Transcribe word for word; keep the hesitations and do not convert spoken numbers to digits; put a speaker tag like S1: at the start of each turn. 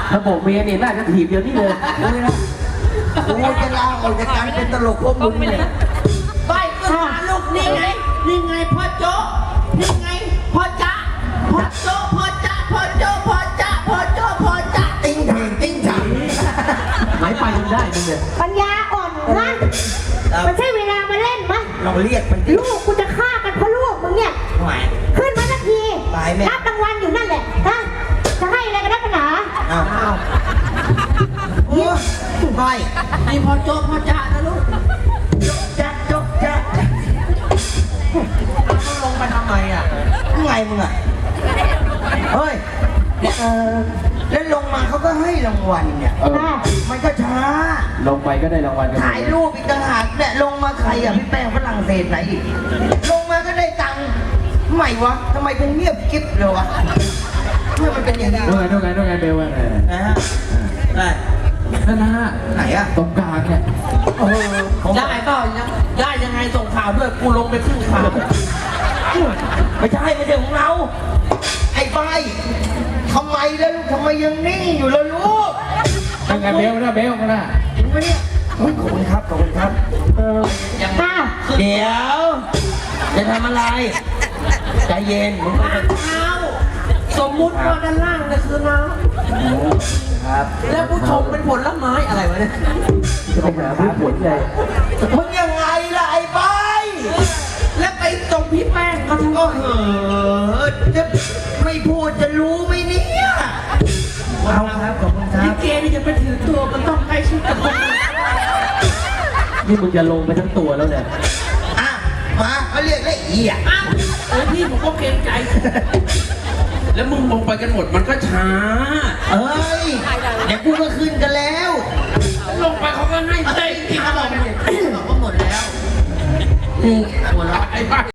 S1: ถ้าบอกเมียเนี่ยน่าจะถีบเดี๋ยวนี้เลยเลยนะ
S2: กูจะลาออกจากการเป็นตลกพวกมึงเนี่ย
S3: ไปก็หาลูกนี่ไงนี่ไงพ่อโจ๊กนี่ไงพ่อจ๊ะพ่อโจ๊กพ่อจ๊ะพ่อโจ๊กพ่อจ๊ะพ่อโจ๊กพ่อจ๊ะ
S2: ติ้งแทงติ้งฉัง
S1: หมายไปจนได้มึงเนี่ย
S4: ปัญญาอ่อนนะมันใช่เวลามาเล่นไหม
S2: เราเรียกมันดิ
S4: ลูกกูจะฆ่ากันเพราะลูกมึงเนี่ย
S2: ไหว
S4: ขึ้นมาสักที
S2: ตายแม่
S4: รับรางวัลอยู่นั่นแหละฮะจะให้อะไรกันนักหนา
S2: อ้าวอ้าวโอ้ยไป
S3: นี่พ่อโจ๊กพ่อจ๊ะนะลูก
S2: จักจกจัก
S3: ต้องลงไปทำไมอ่ะ
S2: ไงมึงอ่ะเฮ้ย
S4: เออ
S2: แล้วลงมาเขาก็ให้รางวัลเนี่ย
S1: เออ
S4: ค่ะ
S2: มันก็ช้า
S1: ลงไปก็ได้รางวัลกัน
S2: ถ่ายรูปอีกต่างหากเนี่ยลงมาใครอ่ะพี่แป้งฝรั่งเศสไหนอีกลงมาก็ได้ตังค์ทำไมวะทำไมเป็นเงียบกิ๊บเลยวะทำไมมันเป็นอย่างนี้
S1: ดู
S2: วะ
S1: ไงดูไงดูไงเบลว่าไง
S2: นะฮะได้
S1: นั่นนะ
S2: ไหนอ่ะ
S1: ตรงกลางเนี่ย
S2: โอ้โหผม
S3: ได้ก็ยังได้ยังไงส่งข่าวด้วยกูลงไปครึ่งข่าว
S2: ไม่ใช่ไม่ใช่ของเรา ไอ้ใบทำไมแล้วลูกทำไมยังนิ่งอยู่ล่ะลูก
S1: ยังไงเบลนะเบลนะ
S2: ถึงไหมเนี่ยโอ้ยขอบคุณครับขอบคุณครับ
S4: เออ
S3: ยัง
S4: ค่ะ
S2: เดี๋ยวจะทำอะไรใจเย็นมึงต้อง
S3: ล้างเท้าสมมุติว่าด้านล่างเนี่ยคือน้
S2: ครับ
S3: ำแล้วผู้ชมเป็นผลไม้อะไรวะเนี่ย
S1: จะไปหาผู้ผลใหญ่
S2: มึงยังไงล่ะไอ้ใบ
S3: แล้วไปตรงพี่แป้งก็ทั้ง
S2: ก็เหอะจะไม่พูดจะรู้ไหมเนี่ยเอาครับขอบคุณครั
S3: ลิ
S2: บ
S3: เกนี่จะไปถือตัวมันต้องใกล้ชิดกับคน
S1: นี่มึงจะลงไปทั้งตัวแล้วเนี่ย
S2: อ่ะมาเขาเรียกละเอียด
S3: อ้าวเออพี่ผมก็เกรงใจ แล้วมึงลงไปกันหมดมันก็ช้า
S2: เอ้ยเดี๋ยวกูก็ขึ้นกันแล้ว
S3: ลงไปเขาก็ให้เฮ้ยที่เขาบอกเป็นอย่างนี้เขาบอกว่าหมดแล้ว
S2: นี่
S3: หัวเราะไอ้บ้า